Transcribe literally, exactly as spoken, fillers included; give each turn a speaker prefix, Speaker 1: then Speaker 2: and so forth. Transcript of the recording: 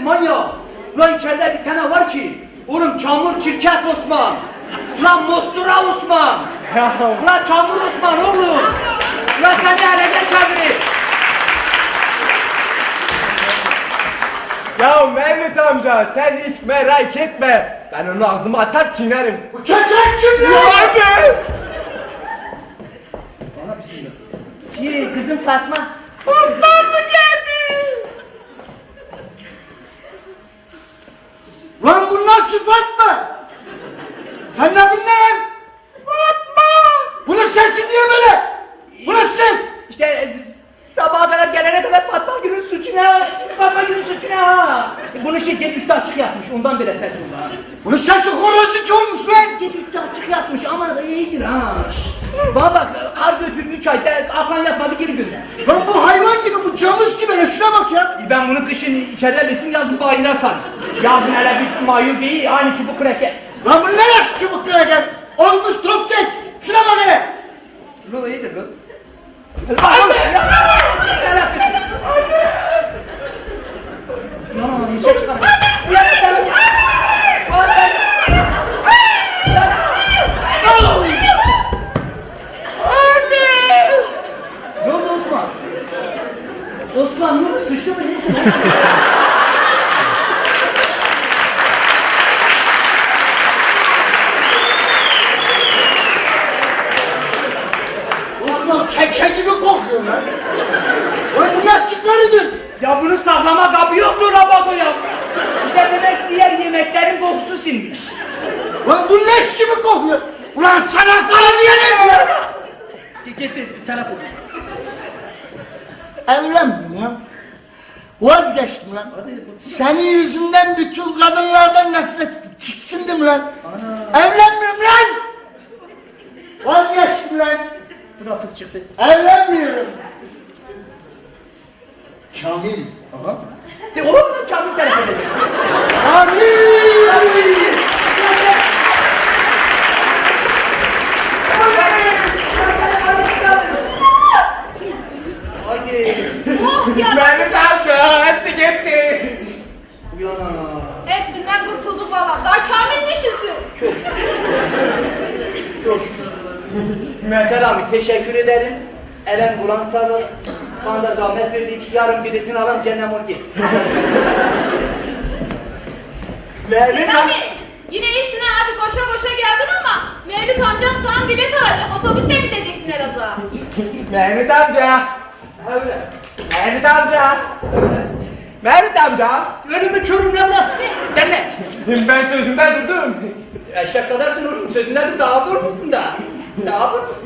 Speaker 1: manyak. Lan içeride bir tane var ki. Oğlum çamur çirket Osman. Lan Mostura Osman. Lan çamur Osman oğlum. Lan sen de elene çevirin.
Speaker 2: Ya Mehmet amca sen hiç merak etme. Ben onu ağzıma atar çiğnerim.
Speaker 3: Bu köçek kim
Speaker 2: Ya
Speaker 3: lan?
Speaker 2: abi!
Speaker 1: Bana bismillah. Ki kızım Fatma.
Speaker 2: Osman mı geldi?
Speaker 3: Lan bu nasıl Fatma? Sen ne adın ne lan?
Speaker 2: Fatma!
Speaker 3: Bunun sesi niye böyle? Bu nasıl ses?
Speaker 1: İşte e, sabaha kadar gelene kadar Fatma Gül'ün suçu ne? Fatma Gül'ün suçu ne ha? Bunu şirket üstü açık yapmış. Ondan bile ses bu ha.
Speaker 3: Bunun sesi korosu olmuş lan.
Speaker 1: Geç üstü açık yatmış ama iyidir ha. Bana bak, ar götürün üç ayda aklan yatmadı geri gönder.
Speaker 3: Lan bu hayvan gibi, bu camış gibi ya, şuna bak ya.
Speaker 1: Ben bunu kışın içeride besin, yazın bayıra sar. Yazın hele bir mayo giy, aynı çubuk kreker.
Speaker 3: Lan bu ne yaş çubuk gel? Olmuş top kek. Şuna bak hele.
Speaker 1: Bu iyidir bu. Anne! Anne! Bir şey çıkar. Ne oldu Osman? Osman ne oldu? Sıçtı mı?
Speaker 3: Osman keke gibi kokuyor lan. Lan bu nasıl karıdır?
Speaker 1: Ya bunun saklama kabı yoktu Rabago ya. İşte demek diğer yemeklerin kokusu sinmiş.
Speaker 3: Lan bu leş gibi kokuyor. Ulan sana karı diyelim ya.
Speaker 1: Getir telefonu.
Speaker 3: Evlenmiyorum lan. Vazgeçtim lan. Senin yüzünden bütün kadınlardan nefret ettim. Tiksindim lan. Evlenmiyorum lan. Vazgeçtim lan.
Speaker 1: Bu da fıs çıktı.
Speaker 3: Evlenmiyorum. Kamil.
Speaker 1: Aha. De oğlum da Kamil telefon edecek.
Speaker 3: Kamil.
Speaker 1: Haydi.
Speaker 4: Oh ya!
Speaker 2: Mehmet amca hepsi gitti.
Speaker 1: Uyana.
Speaker 4: Hepsinden kurtuldum valla. Daha Kamil neşesi.
Speaker 1: Çok şükür. Çok şükür. Mesela abi teşekkür ederim. Elen bulan sarı. Sana da zahmet verdik. Yarın biletini alalım cennem ol git.
Speaker 2: Mehmet amca.
Speaker 4: Selami, yine iyisin ha. Hadi koşa koşa geldin ama Mevlüt amcan sana bilet alacak. Otobüste gideceksin Elazığ'a.
Speaker 2: Mehmet amca.
Speaker 1: Öyle.
Speaker 2: Mehmet amca.
Speaker 1: Öyle.
Speaker 2: Mehmet amca.
Speaker 1: Ölümü körüm lan lan. Deme.
Speaker 2: Ben sözümden durdum.
Speaker 1: Eşek kadarsın oğlum. Sözünden dur. Daha vur musun da? Daha vur musun